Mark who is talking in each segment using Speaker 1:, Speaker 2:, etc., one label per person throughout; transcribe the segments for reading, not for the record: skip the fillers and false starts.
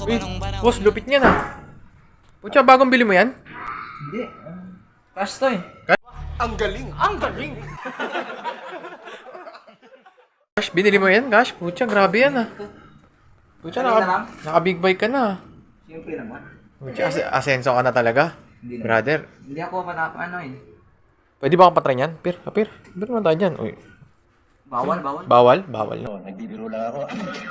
Speaker 1: Uy, boss, lupit niya na. Pucha, bagong bili mo yan?
Speaker 2: Hindi. Cash to eh.
Speaker 3: Ang galing! Ang galing!
Speaker 1: Gosh, binili mo yan, gosh. Pucha, grabe yan ah. Pucha, naka-big bike ka na.
Speaker 2: Siyempre naman.
Speaker 1: Pucha, asenso ka na talaga.
Speaker 2: Hindi naman.
Speaker 1: Brother,
Speaker 2: Hindi ako ano eh.
Speaker 1: pwede ba akong patry niyan? Pir, kapir. Pir naman tayo dyan. Uy,
Speaker 2: Bawal.
Speaker 1: bawal? Bawal na.
Speaker 3: Nagbibiro lang ako.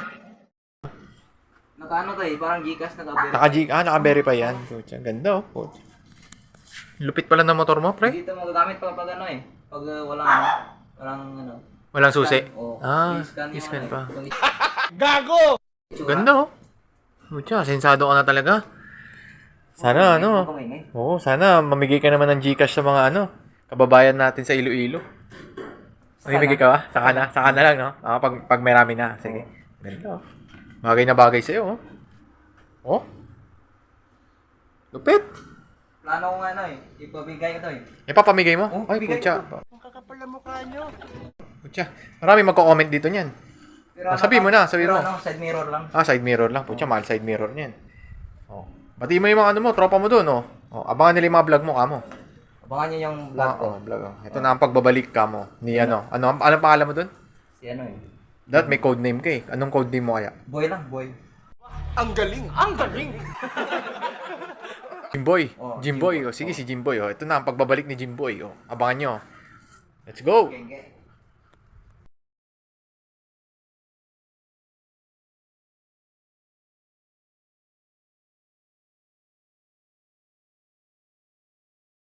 Speaker 2: Nakaano to eh. Parang Gcash naka-verify.
Speaker 1: Naka-verify yan. Pucha, ganda oh. Pucha. Lupit pala ng motor mo, pre.
Speaker 2: Dito magagamit pag ano eh. Pag walang ano.
Speaker 1: Walang susi.
Speaker 2: Oo.
Speaker 1: I-scan pa.
Speaker 3: Gago!
Speaker 1: Ganda oh. Pucha, sensado ka na talaga. Sana ano. Oo, sana mamigay ka naman ng Gcash sa mga kababayan natin sa Iloilo. Mamimigay ka ba? Saka na lang, no? Pag may rami na. Sige. Ganda oh. Bagay na bagay sa'yo, oh. Oh? Lupit.
Speaker 2: Plano ko nga eh. Ipabigay ko to eh.
Speaker 1: Ipapamigay mo?
Speaker 2: Oh,
Speaker 1: Ay,
Speaker 2: bigay
Speaker 1: pucha.
Speaker 2: ko.
Speaker 3: Ang kakapal na mukha nyo.
Speaker 1: Pucha. Marami magko-comment dito niyan.
Speaker 2: Pero
Speaker 1: Sabi mo na, sabi mo.
Speaker 2: Side mirror lang.
Speaker 1: Side mirror lang. Pucha, mahal side mirror niyan. Oh. Bati mo yung mga tropa mo doon, oh. Oh, abangan nila yung mga vlog mo, kamo.
Speaker 2: Abangan nyo yung vlog ko.
Speaker 1: Vlog. Ito na ang pagbabalik ka mo. Ni anong pangalan mo doon?
Speaker 2: Si ano eh.
Speaker 1: Dahil may code name ka eh. Anong code name mo kaya?
Speaker 2: Boy lang, boy.
Speaker 3: Ang galing! Ang galing!
Speaker 1: Jimboy.
Speaker 2: Oh,
Speaker 1: Jimboy. Oh. Sige, si Jimboy. Oh. Ito na ang pagbabalik ni Jimboy. Oh. Abangan nyo. Let's go!
Speaker 2: Genge.